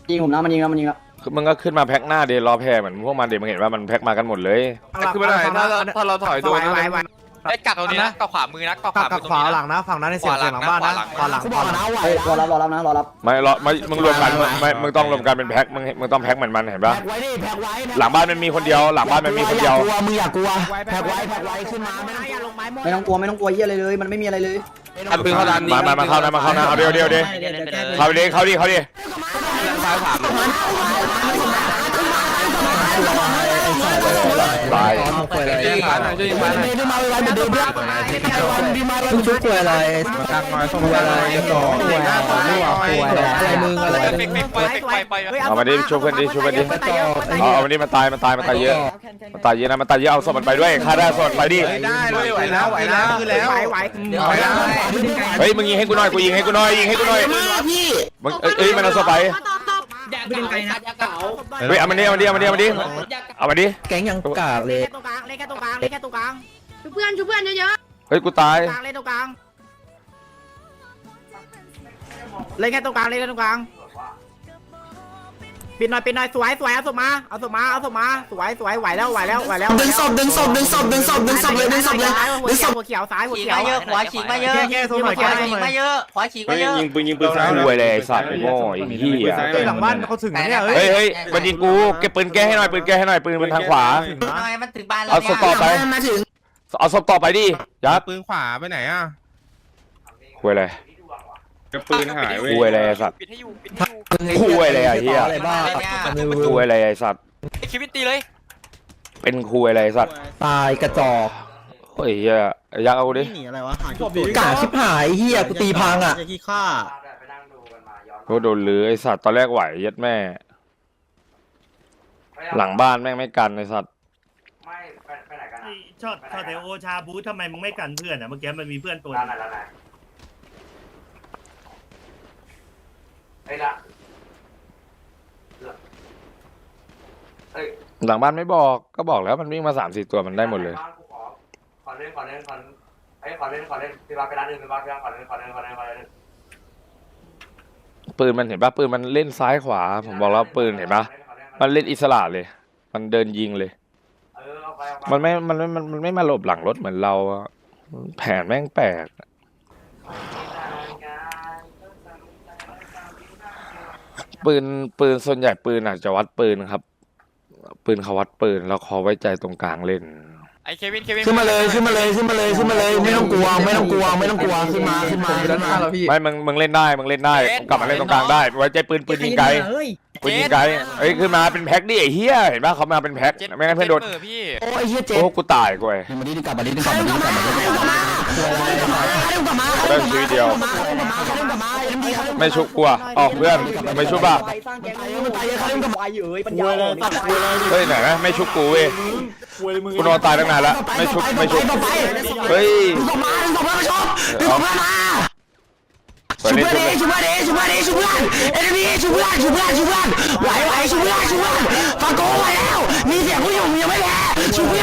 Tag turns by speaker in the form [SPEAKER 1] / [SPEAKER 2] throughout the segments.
[SPEAKER 1] ยิงผมนะมันยิงแล้วมันยิงแล้ว
[SPEAKER 2] คือมึงก็ขึ้นมาแพ็คหน้าเดรอแพ้เหมือนพวกมันเดมึงเห็นว่ามันแพ็คมากันหมดเลย
[SPEAKER 3] คือไม่ได้ถ้าเราถอยโดนนะ
[SPEAKER 4] ไอ้กัดตรงนี้นะกัดขวามือนะกัดขวามือตรง
[SPEAKER 5] ขวา
[SPEAKER 4] นี้
[SPEAKER 5] หลังนะฝั่งนั้นในเสียงหลังบ้านนะขวาหลัง
[SPEAKER 1] กูบอกนะไหวรอรับนะรอรับ
[SPEAKER 2] ไม่มึงรวมกันมึงต้องรวมกันเป็นแพ็คมึงต้องแพ็คเหมือนมันเห็นปะ
[SPEAKER 1] แพ็กไว้ดิแพ็กไว้
[SPEAKER 2] หลังบ้านมันมีคนเดียวหลังบ้านมันมีคนเดียว
[SPEAKER 1] กลัวมึงอย่ากลัวแพ็กไว้ขึ้นมาไม่ต้องกลัวเหี้ยอะไรเลยมันไม่มีอะไรเลย
[SPEAKER 3] อันปืนเขาดัน
[SPEAKER 2] มาเข้านะเอาเดี๋ยวเข้าดิตาย
[SPEAKER 3] จะยิงผ่านจะยิงผ่าน
[SPEAKER 1] ดึงมาไว้เหมือนเดิมดึงชุบตัวอะไร
[SPEAKER 3] กลางน้อยส่งอะไรต่ออะไรมึงอะไร
[SPEAKER 4] ไป
[SPEAKER 2] เอามาดิช่วยเพื่อนดิเอามาดิมันตายเยอะนะมันตายเยอะเอาศพมันไปด้วยฆ่าได้ศพไปดิ
[SPEAKER 3] ได้เลยไหวแล้วคือแล้วไหว
[SPEAKER 2] เฮ้ยมึงยิงให้กูหน่อยยิงให้กูหน่อยมึงมันเอาศพไปเฮ้ยเอามันดิเอามาดิ
[SPEAKER 1] แก๊งยังกากเลย
[SPEAKER 6] เล่นแค่ตรงกลางชุบเพื่อนเยอะ
[SPEAKER 2] เฮ้ยกูตาย
[SPEAKER 6] ๆเล่นตรงกลางเล่นแค่ตรงกลางปิดหน่อยสวยเอาศพมาสวยไหวแล้วดึงศพเลยหัวเขียวซ้ายหัวเขียว
[SPEAKER 5] ขวาฉีกมาเยอะแก้โซนหน่อยแก้โซนหน่อย
[SPEAKER 6] ขวาฉีกมาเยอะ
[SPEAKER 2] ยิงปืนคุยเลยไอ้สัตว์ไอ้โง่ไอ้เหี้ย
[SPEAKER 5] หลังบ้านเขาถึงเนี่ย
[SPEAKER 2] เฮ้ยมันยิงกูเก็บปืนแก้ให้หน่อยปืนมันทางขวา
[SPEAKER 6] ทำไมมันถึงบ้านแล้ว
[SPEAKER 2] เอาศพต่อไปเอาศพต่อไปดิยัด
[SPEAKER 3] ปืนขวาไปไหนอ่ะ
[SPEAKER 2] คุยอะไร
[SPEAKER 3] ปืนหายเว้ย
[SPEAKER 2] คุยอะไรไอ้สัตว์
[SPEAKER 4] ปิดให้อยู่
[SPEAKER 2] คุยอะไรไอ้เหี้ย
[SPEAKER 1] บ้า
[SPEAKER 2] คุยอะไรไอ้สัตว์
[SPEAKER 4] ชีวิตตีเลย
[SPEAKER 2] เป็นคุยอะไรไอ้สัตว์
[SPEAKER 1] ตายกระจอก
[SPEAKER 2] เฮ้ยเหี้ยยักเอากูดิ
[SPEAKER 1] กาชิบหายเฮียกูตีพังอ่ะ
[SPEAKER 2] โดนเลยไอ้สัตว์ตอนแรกไหวยัดแม่ หลังบ้านแม่งไม่กันไอ้สัตว์
[SPEAKER 7] ช็อตแต่โอชาบูททำไมมึงไม่กันเพื่อนอ่ะเมื่อกี้มันมีเพื่อนตัวนึง
[SPEAKER 2] หลังบ้านไม่บอกก็บอกแล้วมันวิ่งมา3-4ตัวมันได้หมดเลย
[SPEAKER 8] ขอเล่นพี่บ้าไปร้านอื่นพี่บ้าขอเล่น
[SPEAKER 2] ปืนมันเห็นปะปืนมันเล่นซ้ายขวาผมบอกแล้วปืนเห็นปะมันเล่นอิสระเลย มันเดินยิงเลย มันไม่มาหลบหลังรถเหมือนเราอะแผนแม่งแปลกปืนส่วนใหญ่ปืนอาจจะวัดปืนครับ ปืนเขาวัดปืนแล้วเขาไว้ใจตรงกลางเล่น
[SPEAKER 4] ไอ้เควิน
[SPEAKER 1] ขึ้นมาเลยไม่ต้องกลัวขึ้นมา
[SPEAKER 2] ไม่มึงเล่นได้กลับมาเล่นตรงกลางได้ไว้ใจปืนยิงไกลเอ้ยขึ้นมาเป็นแพ็คดิไอ้เหี้ยเห็นป่ะเขามาเป็นแพ็คไม่งั้นเพื่อนโดน
[SPEAKER 4] พี่
[SPEAKER 1] โอ้ยเฮียเจ๊
[SPEAKER 2] โอ้กูตายกูไอ้ได้ชีวิตเดียวไม่ชุบกลัวออกเพื่อนไม่ชุบป่ะเฮ้ยไหนนะไม่ชุบกูเว้ยกูนอนตายตั้งนานแล้วไม่ชุบเฮ้ยเปิดเล่นชุบเลย
[SPEAKER 1] ชุบเพื่อนฟังโก้ไว้แล้วมีเสียงผู้หญิงยังไม่แพ้ชุบเพื่อน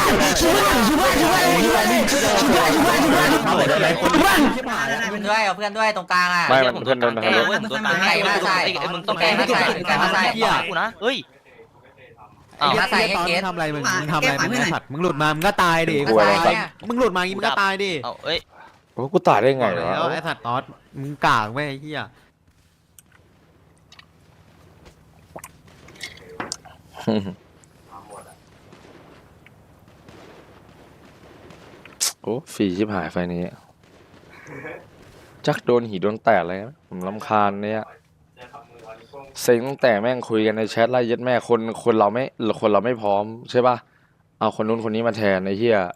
[SPEAKER 5] ด้วยเอาเพื่อนด้วยตรงกลางอ่ะ
[SPEAKER 2] ไม่มันเพื่อนโดนทำร้าย
[SPEAKER 5] ไก่มาใส่มึงต้องไก่มาใส่กูนะเฮ้ยมาใส่ให้เกส
[SPEAKER 9] ทำอะไรมึงทำอะไรมึงไอ้สัตว์มึงหลุดมามึงก็ตายดิ มึงหลุดมาอย่างงี้มึงก็ตายดิ
[SPEAKER 5] เอ้ย
[SPEAKER 2] โอ้กูตายได้ไงวะ
[SPEAKER 9] แล้วไอ้สัตว์ตอสมึงกากแม่ไอ้เหี้ย
[SPEAKER 2] โอ้ฟรีชิบหายไฟนี้จักโดนหีโดนแตกอะไรนะผมรำคาญเนี่ยเซ็งตั้งแต่แม่งคุยกันในแชทไล่ยัดแม่คนเราไม่พร้อมใช่ป่ะเอาคนนู้นคนนี้มาแทนไอ้เหี้ย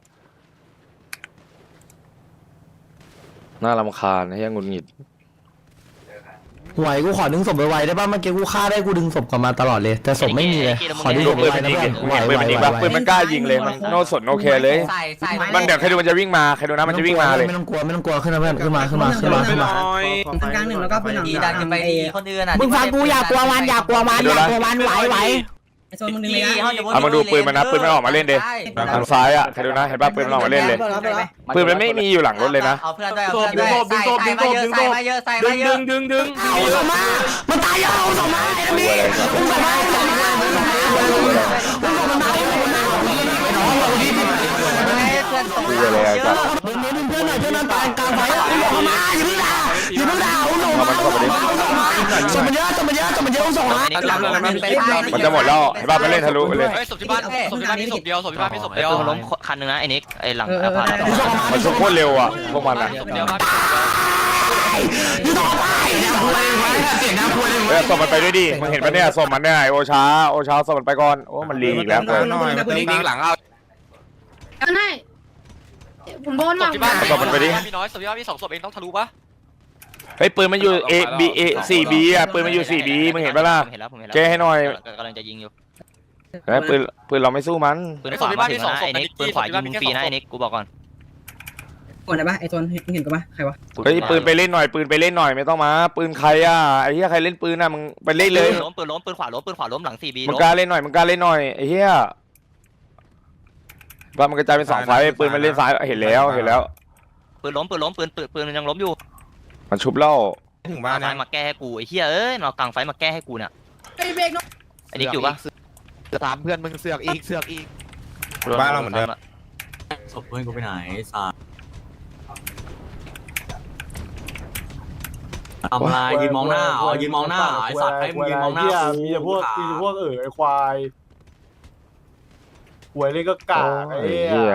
[SPEAKER 2] น่ารำคาญไอ้เหี้ยหงุดหงิด
[SPEAKER 1] ไหวกูขอดึงศพไวๆได้ป่ะเมื่อกี้กูฆ่าได้กูดึงศพกลับมาตลอดเลยแต่ศพไม่มีเลยขอดึงศพ
[SPEAKER 2] ปืน
[SPEAKER 1] ไว
[SPEAKER 2] มัน
[SPEAKER 1] ๆนะ
[SPEAKER 2] ยิง
[SPEAKER 1] เพื่อน
[SPEAKER 2] ปืนมันยิงป่ะปืนมันกล้ายิงเลยมันโนสนโอเคเลยมันเดี๋ยวใครดูมันจะวิ่งมาใครดูนะมันจะวิ่งมาเลย
[SPEAKER 1] ไม่ต้องกลัวขึ้นมาเพื่อนขึ้นมา
[SPEAKER 3] ไปหน่อย
[SPEAKER 6] กลางหนึ่งแล้วก็เป็นหลัง
[SPEAKER 5] ดีดันกันไปคนอื่นอ่ะ
[SPEAKER 6] มึงฟังกูอย่ากลัวมันไหวโซนมึงดึงเลยนะ
[SPEAKER 2] เอามาดูปืนมันนะปืนมันออกมาเล่นเดทางซ้ายอ่ะใครดูนะเห็นป่ะปืนมันออกมาเล่นเลยปืนมันไม่มีอยู่หลังรถเลยนะ
[SPEAKER 5] เอาเพื่อนด้วยใส่มาเยอะ
[SPEAKER 3] ดึง
[SPEAKER 1] เอาศพมามันตายเอาศพมาไอ้นี่
[SPEAKER 2] เลยไอ้สัตว์
[SPEAKER 1] ดึงเพื่อนหน่อยเพื่อนนั้นตายกลางไฟอ่ะอย่าเข้ามาอย่าเพิ่งด่าอย่าเพิ่งด่าอุ้มส่งมาส่งมันเยอะส่งมันเยอะส่งมันเยอะอุ้มส่งมา
[SPEAKER 2] มันจะหมดแล้วเห็นป่ะไปเล่นทะลุไปเลย
[SPEAKER 4] เฮ้ยศพที่บ้านมีศพเดียวศพที่บ้านมีศพเดียว
[SPEAKER 5] ปืนล้มคันนึงนะไอ้นิกไอ้หลังพา
[SPEAKER 2] มันชุบโคตรเร็วอ่ะพวกมันอ่ะ
[SPEAKER 4] ศพเดียวบ้าน
[SPEAKER 1] อยู่ต่อไปนะคุยไว้เสียงนะคุยเลย
[SPEAKER 2] เฮ้ยส่งมันไปด้วยดิมึงเห็นปะเนี่ยส่งมันเนี่ยไอโอช้าส่งมันไปก่อนโอ้มันลีอีกแล้วเพื่อน
[SPEAKER 4] นิ่งหลังเอา
[SPEAKER 10] กันให้ผมโดน
[SPEAKER 4] ศ
[SPEAKER 10] หลั
[SPEAKER 4] พ
[SPEAKER 10] ง
[SPEAKER 4] ที่บ้านมีน้อยศพที่บ้านมี2 ศพเองต้องทะลุปะ
[SPEAKER 2] เฮ้ยปืนมันอยู่ 4B อ่ะปืนมันอยู่ 4B มึงเห็นปะล่ะ
[SPEAKER 5] เห็นแล้วผมเห็นแล้ว
[SPEAKER 2] แก้ให้หน่อย
[SPEAKER 5] กำลังจะยิงอยู่
[SPEAKER 2] เฮ้ยปืนเราไม่สู้มัน
[SPEAKER 5] ปืนขวามาถึงนะไอ้นิกปืนขวายิงมึงฟรีนะไอ้นิกกูบอกก่อน
[SPEAKER 6] ก่อนได้ปะไอ้ตัวเห็นกันปะใครวะ
[SPEAKER 2] เฮ้ยปืนไปเล่นหน่อยปืนไปเล่นหน่อยไม่ต้องมาปืนใครอ่ะไอ้เหี้ยใครเล่นปืนอ่ะมึงไปเล่นเลย
[SPEAKER 5] ปืนล้มปืนขวาล้มหลัง 4B
[SPEAKER 2] มึงกล้าเล่นหน่อยมึงกล้าเล่นหน่อยไอ้เหี้ยว่ามันกระจายเป็น2ฝ่ายปืนมันเล่นซ้ายเห็นแล้ว
[SPEAKER 5] ปืนล้มปืนมันยังล้มอยู่
[SPEAKER 2] มันชุบเล่า
[SPEAKER 9] ถึงบ้าน
[SPEAKER 5] ไฟมาแก้ให้กูไอ้เหี้ยเอ้ยมากลางไฟมาแก้ให้กูเนี่ย
[SPEAKER 10] ไอ้เบรกน้อง
[SPEAKER 5] ไอ้นิกอยู่ปะ
[SPEAKER 9] ถามเพื่อนมึงเสือกอีกบ้านเราเหมือนเดิม
[SPEAKER 3] ศพเพื่อนกูไปไหนสาทำอะไรยืนมองหน้ายืนมองหน้าไอ้สัตว์ให้มึงยืนมองหน้ามีแต่พวก
[SPEAKER 11] ไอ้ควายหวยเล่นก็กากไอ้
[SPEAKER 2] เหี้ย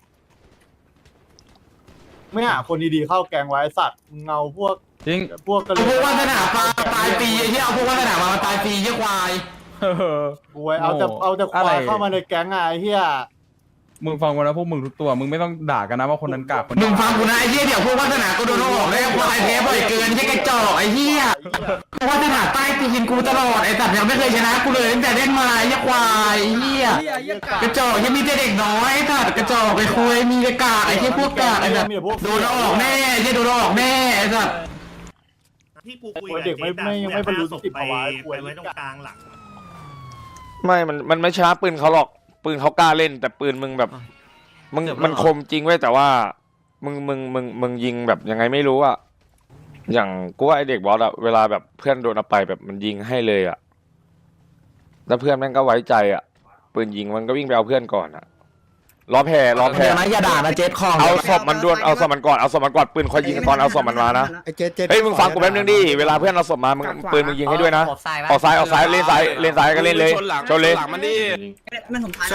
[SPEAKER 11] ไม่หาคนดีๆเข้าแกงไว้สัตว์เงาพวก
[SPEAKER 9] จริง
[SPEAKER 11] พวกกระ
[SPEAKER 1] พวกวาสนาตายปีไอ้ที่เอาพวกวาสนามาตายปีเยี่ยควาย
[SPEAKER 11] หวยเอาแต่ควายเข้ามาในแก๊งไงไอ้เหี้ย
[SPEAKER 9] มึงฟังกูนะพวกมึงทุกตัวมึงไม่ต้องด่ากันนะว่าคนนั้นกากคน
[SPEAKER 1] มึงฟังกูนะไอ้เหี้ยเดี๋ยวพวกวาสนาก็โดนออกแล้วควายแพ้บ่อยเกินที่กระจอกไอ้เหี้ยวาสนาใต้ตีนกูตลอดไอ้สัตว์ยังไม่เคยชนะกูเลยตั้งแต่เล่นมาไอ้ควายไอ้เหี้ยกระจอกยังมีแต่เด็กน้อยไอ้สัตว์กระจอกไปคุยมีแต่กากไอ้ที่พวกกากไอ้สัตว์โดนออกแน่ไอ้ที่โดนออกแน่ไอ้สัตว์
[SPEAKER 7] ที่กูคุยเด็กไม่บรรลุนิติภาวะไปไว้ตรงกลางหลัง
[SPEAKER 2] ไม่มันไม่ชนะปืนเขาหรอกปืนเขากล้าเล่นแต่ปืนมึงแบบมันคมจริงเว้ยแต่ว่ามึงยิงแบบยังไงไม่รู้อะอย่างกูว่าไอเด็กบอสอะเวลาแบบเพื่อนโดนเอาไปแบบมันยิงให้เลยอะแล้วเพื่อนแม่งก็ไว้ใจอะปืนยิงมันก็วิ่งไปเอาเพื่อนก่อนอะล้อแพร
[SPEAKER 1] เดี๋ยวนะอย่าด่านะเจ็ดของ
[SPEAKER 2] เอาศพมันด่วนเอาศพมันก่อนปืนคอยยิงตอนเอาศพมันมานะเฮ้ยมึงฟังกูแป๊บนึงดิเวลาเพื่อนเอาศพมามึงปืนมึงยิงให้ด้วยนะออกซ้ายเล่นซ้ายก็เล่นเลยชนเลย
[SPEAKER 6] มันผมทาย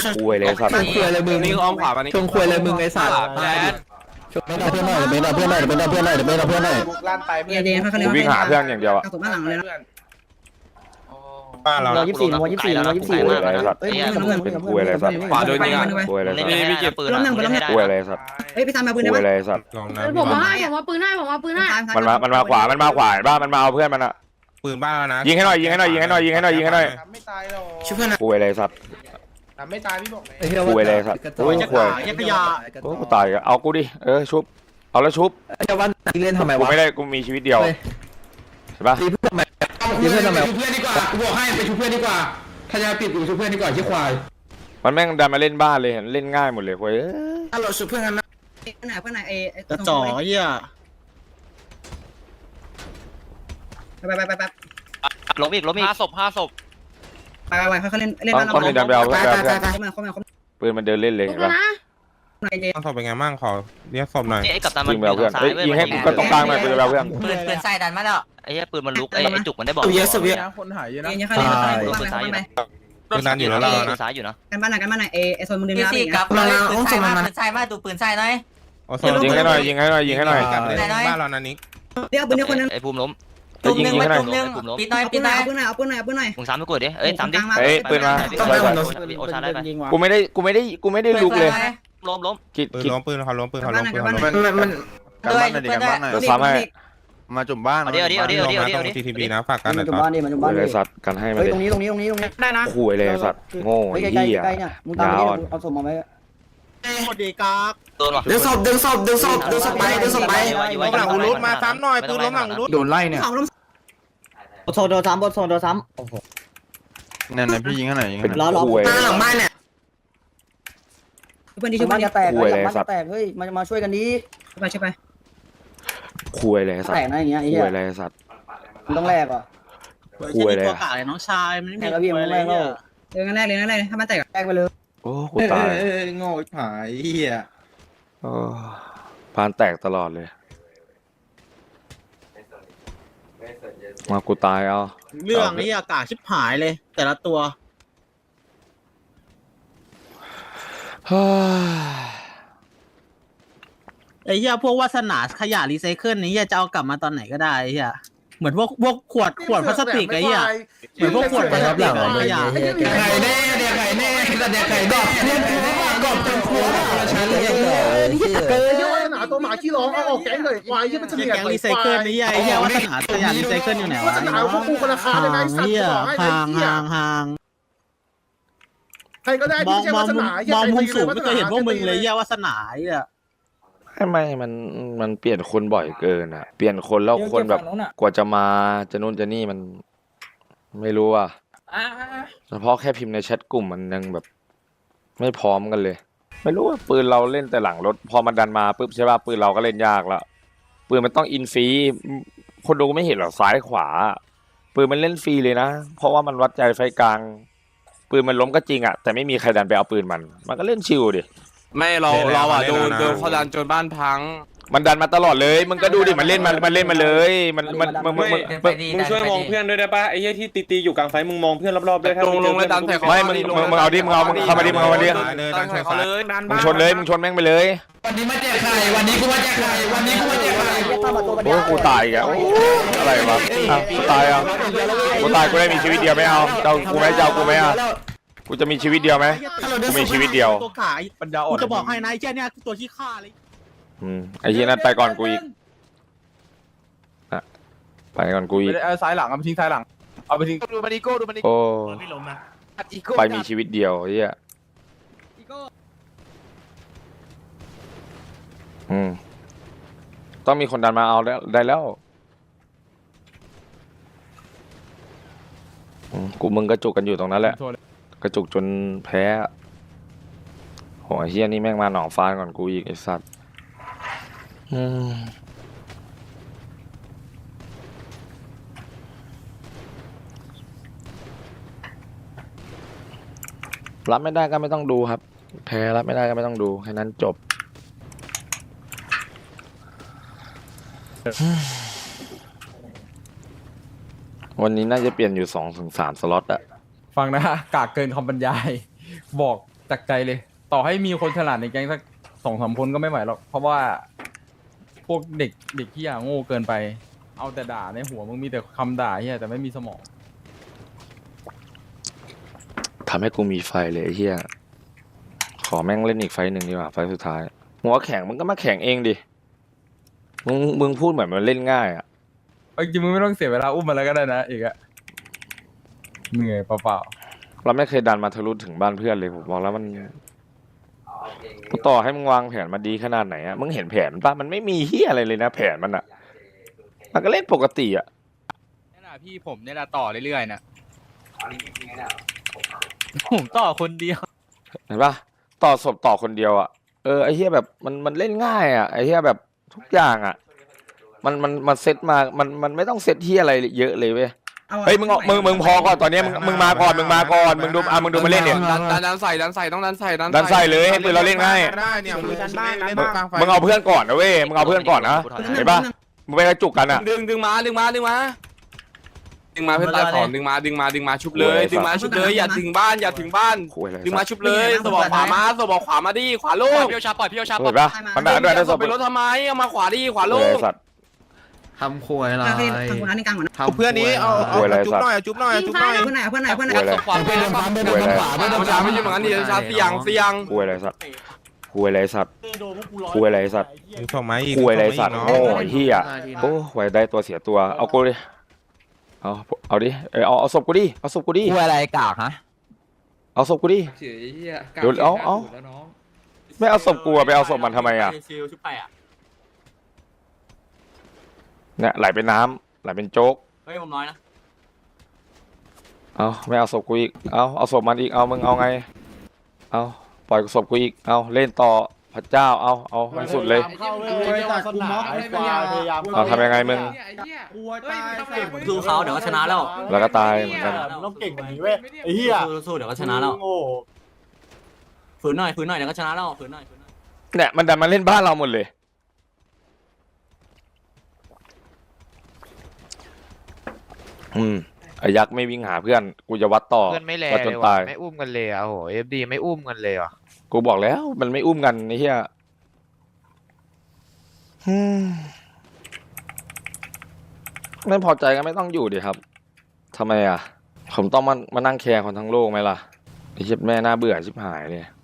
[SPEAKER 2] คุยเลยสัตว์
[SPEAKER 1] คุยอะไรมึง
[SPEAKER 9] นี่อ้อมขวามานี่
[SPEAKER 1] ชงคุยอะไรมึงไอ้สัตว์ไม่ได้เพื่อนหน่อยไม่ได้เพื่อนหน่อยไม่ได้เพื่อนหน่อยไม่ได้เพื่อนหน่อย
[SPEAKER 6] เดี๋ยวเขาเรีย
[SPEAKER 2] กู
[SPEAKER 6] ก
[SPEAKER 2] วิ่งหาเพื่อนอย่างเดียวอะ
[SPEAKER 6] กระสุนบ้านหลังเลยนะ
[SPEAKER 9] บ้านเรา
[SPEAKER 2] คุยอะไรสัตว์เป็นคุยอะไรสัตว์
[SPEAKER 9] ขวาโดนยิง
[SPEAKER 2] คุยอะไรสัตว์
[SPEAKER 5] ไม่เก็บปืน
[SPEAKER 2] คุยอะไรสัตว์
[SPEAKER 6] เฮ้ยไปทำมาปืน
[SPEAKER 2] คุ
[SPEAKER 6] ได้
[SPEAKER 2] ย
[SPEAKER 6] ปะ
[SPEAKER 2] อะไรสัตว์
[SPEAKER 9] ลองนะ
[SPEAKER 10] ผมมาให้ผมว่าปืนให้ผมว่าปืนให้
[SPEAKER 2] มันมาขวาบ้านมันมาเอาเพื่อนมันอะ
[SPEAKER 9] ปืนบ้านแล้วนะ
[SPEAKER 2] ยิงให้หน่อย
[SPEAKER 11] ไม่ตายหรอก
[SPEAKER 1] ช่วยเพื่อนนะ
[SPEAKER 2] คุยอะไรสัตว์
[SPEAKER 11] ไม่ตายพี่บอก
[SPEAKER 2] คุยอะไรสัตว์โอ้ยคุยโอ้กูตายอะเอากูดิชุบเอาแล้วชุบ
[SPEAKER 1] จะวันเล่นทำไม
[SPEAKER 2] กู
[SPEAKER 1] วะ
[SPEAKER 2] ไม่ได้กูมีชีวิตเดียวใช่ปะ
[SPEAKER 1] ตีเพื่อนทำไมตีเพื่อนทำไมเพื่อนดีกว่ากูบอกให้ไปช่วยเพื่อนดีกว่าถ้าจะปิดกูช่วยเพื่อนดีกว่าที่ควาย
[SPEAKER 2] มันแม่งดันมาเล่นบ้านเลยเห็นเล่นง่ายหมดเลยคุย
[SPEAKER 1] ถ้าเราช่วยเพื่อนกันนะ
[SPEAKER 6] เพื่อนไหนไอ้
[SPEAKER 11] จะจ่อเหี้ย
[SPEAKER 6] ไป
[SPEAKER 5] ล้มอีก
[SPEAKER 4] 5 ศพ
[SPEAKER 6] ไปเขาเล่นบ้านเรา
[SPEAKER 2] ต้องมีดันไปเอาเพื่อน
[SPEAKER 6] เขามา
[SPEAKER 2] ปืนมันเดินเล่นเลย
[SPEAKER 10] ลุ
[SPEAKER 2] เห็
[SPEAKER 10] ก
[SPEAKER 2] น
[SPEAKER 10] แล้ว
[SPEAKER 2] ปะ
[SPEAKER 10] นะ
[SPEAKER 9] ต้องศพเป็นไงบ้างขอเรียกศพหน่อย
[SPEAKER 5] ไอ้กัปตันมัน
[SPEAKER 2] ยิงไปเอาเพื่อนยิงให้กูก็ตรงกลางหน่อยปืนไปเอาเพื่อน
[SPEAKER 5] ปืนใส่ดันมาแล้วไอ้เหี้ยปืนมันลุกไอ้จุกมันได้บอก
[SPEAKER 9] คนหายเยอะนะ
[SPEAKER 6] เนี่ยเขาเล่นบ้านไหน
[SPEAKER 9] ปืนนั้นอยู่แล้วเรานะ
[SPEAKER 5] ซ้ายอยู่นะ
[SPEAKER 6] กันบ้านไหนไอ้โซนมึงดึง
[SPEAKER 5] พี่
[SPEAKER 6] น้ำ
[SPEAKER 5] สี่
[SPEAKER 6] อีก
[SPEAKER 5] กลั
[SPEAKER 6] นะ
[SPEAKER 5] บเลยปืนใส่มาดูปืนใส่หน่อย
[SPEAKER 2] ยิงให้หน่อย
[SPEAKER 9] กันเลยบ้านเรานะนิก
[SPEAKER 6] เดี๋ยวปืนคนนึง
[SPEAKER 5] ไอ้ภูมิล้ม
[SPEAKER 2] ยิงให้หน่อย
[SPEAKER 5] ปิดหน่อย
[SPEAKER 6] เอาปืนหน่อยเอาปืนหน่อย
[SPEAKER 5] มึงซ้ำไปกดดิเอ้ยซ้ำดิ
[SPEAKER 2] ปืนมา
[SPEAKER 5] โอชาได้ไป
[SPEAKER 2] กูไม่ได้ลุกเลย
[SPEAKER 5] ล้ม
[SPEAKER 2] กิด
[SPEAKER 9] ปืน
[SPEAKER 2] กิด
[SPEAKER 9] ล้มปืนเขาล้มปืนเขาล้มปืนเขาล้ม
[SPEAKER 2] มัน
[SPEAKER 5] ด้วย
[SPEAKER 2] เดี๋ยวซ้ำให้
[SPEAKER 3] มาจุ่มบ้าน
[SPEAKER 5] เดี๋ยว
[SPEAKER 9] ตรง TTB นะฝากกันหน่อย
[SPEAKER 11] บ้านนี่มันอยู่
[SPEAKER 2] คุ
[SPEAKER 11] บ้าย น
[SPEAKER 2] อะไร
[SPEAKER 11] นี่
[SPEAKER 2] สัตว์กันให้มา
[SPEAKER 11] เฮ้ย
[SPEAKER 2] ดิ
[SPEAKER 11] ตรงนี้
[SPEAKER 6] ได้นะ
[SPEAKER 2] คุยอะไรสัตว์โง่ไอ้เหี้ย
[SPEAKER 11] ใกล้เนี่ยมึงตามไปเอาศพมาไว้
[SPEAKER 7] หมดดีกาก
[SPEAKER 5] โดนว่ะ
[SPEAKER 1] ดึงศพไป
[SPEAKER 9] หลังอุรุมาซ้ำหน่อยปืนล้มหลังอุรุ
[SPEAKER 3] โดนไล่เนี่ย
[SPEAKER 6] เขาล้ม
[SPEAKER 11] โซนโดนซ้ำโอ้โห
[SPEAKER 3] นั่นนะพี่ยิงข้างไหนยิง
[SPEAKER 2] เป็น
[SPEAKER 3] ข้างไหน
[SPEAKER 2] คุย
[SPEAKER 1] หลังบ้านเนี่ย
[SPEAKER 6] เพื่อนดีช่วย
[SPEAKER 11] บ้าน
[SPEAKER 6] เพื่อน
[SPEAKER 11] จะแตกบ้านจะแตกเฮ้ยมาช่วยกันดี
[SPEAKER 6] ไปช่วยไป
[SPEAKER 2] คุยอะไรสัต
[SPEAKER 11] แต
[SPEAKER 2] ว์
[SPEAKER 11] กนะอย่างเงี้ยไอ้
[SPEAKER 2] คุ
[SPEAKER 11] เหี้
[SPEAKER 2] ย
[SPEAKER 11] ย
[SPEAKER 2] อะไรสัตว์
[SPEAKER 11] มันต้องแลกอ่ะ
[SPEAKER 2] คุยอะไร
[SPEAKER 7] น้องชายมันไม่มี
[SPEAKER 11] แล้วพี่มันแลกแล้ว
[SPEAKER 6] งั้นแรกเลยถ้ามันแตก
[SPEAKER 11] แลกไปเลย
[SPEAKER 2] โอ้กูตาย
[SPEAKER 3] โง่หายเหี้ย
[SPEAKER 2] โอ้พานแตกตลอดเลยมากูตายเอา
[SPEAKER 3] เรื่องนี้อากาศชิบหายเลย แต่ละตัว
[SPEAKER 2] เฮ้ย
[SPEAKER 3] ไอ้เหี้ยพวกวาสนาขยะรีไซเคิลนี้เหี้ยจะเอากลับมาตอนไหนก็ได้ไอ้เหี้ยเหมือนพวกขวดพลาสติกไอ้เหี้ยเหมือนพวกขวดพลาสติกขยะ
[SPEAKER 1] ไข่แน่เด็กไข่แน่แต่เด็กไข่ดอกเพื่อนกูมากอบเป็นครัวฉันเลย
[SPEAKER 11] เออเยอะหนาตัวหมาขี้ร้องเอาออกแก๊งเลยควายที่มันจะ
[SPEAKER 3] แก๊งรีไซเคิลนี่ไอ้เหี้ยวาสนาขยะรีไซเคิลอยู่ไหนวะ
[SPEAKER 11] หนาพวกกูคนละคาเลยนะไอ้สัตว์
[SPEAKER 3] เหี้ย ห่าง
[SPEAKER 11] ใครก็ได้ที่ไม่ใช่วาสนาม
[SPEAKER 3] องมุมสูงไม่เคยเห็นพวกมึงเลยเหี้ยวาสนาไอ้เหี้ย
[SPEAKER 2] ไม่มันเปลี่ยนคนบ่อยเกินอ่ะเปลี่ยนคนแล้วคนแบบกว่าจะมาจะนู่นจะนี่มันไม่รู้อ่ะเฉพาะแค่พิมพ์ในแชทกลุ่มมันยังแบบไม่พร้อมกันเลย ไม่รู้ว่าปืนเราเล่นแต่หลังรถพอมันดันมาปุ๊บใช่ป่ะปืนเราก็เล่นยากแล้วปืนมันต้องอินฟรีคนดูไม่เห็นหรอกซ้ายขวาปืนมันเล่นฟรีเลยนะเพราะว่ามันวัดใจไฟกลางปืนมันล้มก็จริงอ่ะแต่ไม่มีใครดันไปเอาปืนมันก็เล่นชิวดิ
[SPEAKER 4] ไม่เราอ่ะโดนเขาดันจนบ้านพัง
[SPEAKER 2] มันดันมาตลอดเลยมึงก็ดูดิมันเล่นมาเลยมึง
[SPEAKER 5] ช่วยมองเพื่อน
[SPEAKER 9] ด้วยได้ป่ะไอ้เหี้ยที่ตีอยู่กลางไฟมึงมองเพื่อนรอบๆด้วย
[SPEAKER 4] ลงเลยดันใส่เขา
[SPEAKER 2] ไม่มึงเอาดิมึงเข้ามาดิมึงเอามาดิ
[SPEAKER 4] ดันใส่เขาเลย
[SPEAKER 2] มึงชนเลยมึงชนแม่งไปเลย
[SPEAKER 1] วันนี้มาแจกไข่วันนี้กูมาแจกไข่วันนี้กูมาแจกไข่
[SPEAKER 2] โอ้กูตายอีกอ่ะอะไรวะกูตายอ่ะกูตายกูได้มีชีวิตเดียวไม่เอาเจ้ากูไหมเจ้ากูไหมอ่ะกูจะมีชีวิตเดียวไหมกูมีชีวิตเดียว
[SPEAKER 3] ตัวขายปัญญาอ่อนกูจะบอกให้นายแค่เนี้ยตัวขี้ข้าเลย
[SPEAKER 2] ไอ้เหี้ยนั่นไปก่อนกูอีกไปก่อนกูอีก
[SPEAKER 9] เอาซ้ายหลังเอาไปทิ้งซ้ายหลังเอาไปทิ้ง
[SPEAKER 4] ดูมันอีโก้ดูมันอี
[SPEAKER 2] โอ้
[SPEAKER 7] ไม่ล้มนะ
[SPEAKER 2] ไปมีชีวิตเดียวไอ้เหี้ยต้องมีคนดันมาเอาแล้วได้แล้วกูมึงกระจุกกันอยู่ตรงนั้นแหละกระจุกจนแพ้โหไอ้เหี้ยนี่แม่งมาหนองฟ้าก่อนกูอีกไอ้สัตว์รับไม่ได้ก็ไม่ต้องดูครับแพ้รับไม่ได้ก็ไม่ต้องดูแค่นั้นจบวันนี้น่าจะเปลี่ยนอยู่2-3 สล็อตอะ
[SPEAKER 9] ฟังนะกากเกินคำบรรยายบอกจากใจเลย ต่อให้มีคนฉลาดในแก๊งสัก2-3 คนก็ไม่ไหวหรอกเพราะว่าพวกเด็กที่โง่เกินไปเอาแต่ด่าในหัวมึงมีแต่คำด่าเฮียแต่ไม่มีสมอง
[SPEAKER 2] ทำให้กูมีไฟเลยไอ้เหี้ยขอแม่งเล่นอีกไฟหนึ่งดีกว่าไฟสุดท้ายหัวแข็งมึงก็มาแข่งเองดิมึงพูดเหมือนมันเล่นง่ายอะ
[SPEAKER 9] จริงมึงไม่ต้องเสียเวลาอุ้มมาแล้วก็ได้นะอีกอะเหนื่อยเปล่า
[SPEAKER 2] เราไม่เคยดันมาทะลุถึงบ้านเพื่อนเลยผมบอกแล้วมันต่อให้มึงวางแผนมาดีขนาดไหนอะมึงเห็นแผนป่ะมันไม่มีเหี้ยอะไรเลยนะแผนมันอะมันก็เล่นปกติอะ
[SPEAKER 4] นี่แหละพี่ผมเนี่ยแหละต่อเรื่อยๆนะ
[SPEAKER 5] ผมต่อคนเดียว
[SPEAKER 2] เห็นป่ะต่อศพต่อคนเดียวอะไอ้เหี้ยแบบมันเล่นง่ายอะไอ้เหี้ยแบบทุกอย่างอะมันเซตมามันไม่ต้องเซตที่อะไรเยอะเลยเว้ยเฮ้ยมึงพอก่อนตอนนี้มึงมาก่อนมึงดูมึงดูมาเล่นเนี่ย
[SPEAKER 4] ดันใส่ต้องดันใส่
[SPEAKER 2] เลยให้ปืนเราเล่นง่าย
[SPEAKER 4] ได้เนี่ยมึง
[SPEAKER 2] มึงเอาเพื่อนก่อนนะเว้ยมึงเอาเพื่อนก่อนนะเห็นป่ะมึงไปกระจุกกันอะ
[SPEAKER 4] ดึงมาเพื่อนตายของดึงมาชุบเลยอย่าถึงบ้านดึงมาชุบเลยสบอกขวามาดิขวาโล่งพี่โอชาปล่อย
[SPEAKER 2] เห็นป่ะมันด่าด้วยได้ศพ
[SPEAKER 4] ไปรถทำไมเอามาขวาดิขวาโล่ง
[SPEAKER 3] ทำควยอะไร
[SPEAKER 4] เพื่อนนี้เอาจุ๊บหน่อย
[SPEAKER 10] เพื่อนไหน
[SPEAKER 4] ขวาเป็นขวาไม่ใช่เหมือนกันดิชาเสียง
[SPEAKER 2] คุยอะไรสัตว์โง่ไอ้เหี้ยโอ้ไว้ได้ตัวเสียตัวเอากูดิเอาดิเอาศพกูดิ
[SPEAKER 3] คุยอะไรกากฮะ
[SPEAKER 2] เอาศพกูดิเดี๋ยวเอาไม่เอาศพกูไปเอาศพมันทำไมอะเนี่ยไหลเป็นน้ำไหลเป็นโจ๊ก
[SPEAKER 5] เฮ้ยผมน้อยนะ
[SPEAKER 2] เอาไม่เอาศพกูอีกเอาศพมันอีกเอามึงเอาไงเอาปล่อยศพกูอีกเอาเล่นต่อพระเจ้าเอาให้สุดเลยเอาทำยังไงมึง
[SPEAKER 5] สู้เขาเดี๋ยวก็ชนะ
[SPEAKER 2] แล้วก็ตายเหมือนกัน
[SPEAKER 11] ต้องเก่งกว่านี้เว้ยไอ้เหี้ย
[SPEAKER 5] สู้เดี๋ยวก็ชนะแล้วฝืนหน่อยเดี๋ยวก็ชนะแล้วฝืนหน่อย
[SPEAKER 2] เนี่ยมันดันมาเล่นบ้านเราหมดเลยไอ้ยักษ์ไม่วิ่งหาเพื่อนกูจะวัดต่อ
[SPEAKER 12] เพื่อนไม่แล
[SPEAKER 2] วัดจ
[SPEAKER 12] เล
[SPEAKER 2] น
[SPEAKER 12] ย
[SPEAKER 2] ตา
[SPEAKER 12] ว่ะ
[SPEAKER 2] ย
[SPEAKER 12] ไม่อุ้มกันเลยอ่ะโหเอฟดีไม่อุ้มกันเลยอ่ะ
[SPEAKER 2] กูบอกแล้วมันไม่อุ้มกันไอ้เหี้ยไม่พอใจก็ไม่ต้องอยู่ดิครับทำไมอ่ะผมต้องมานั่งแคร์คนทั้งโลกไหมล่ะไอ้เหี้ยแม่น่าเบื่อชิบหายเลย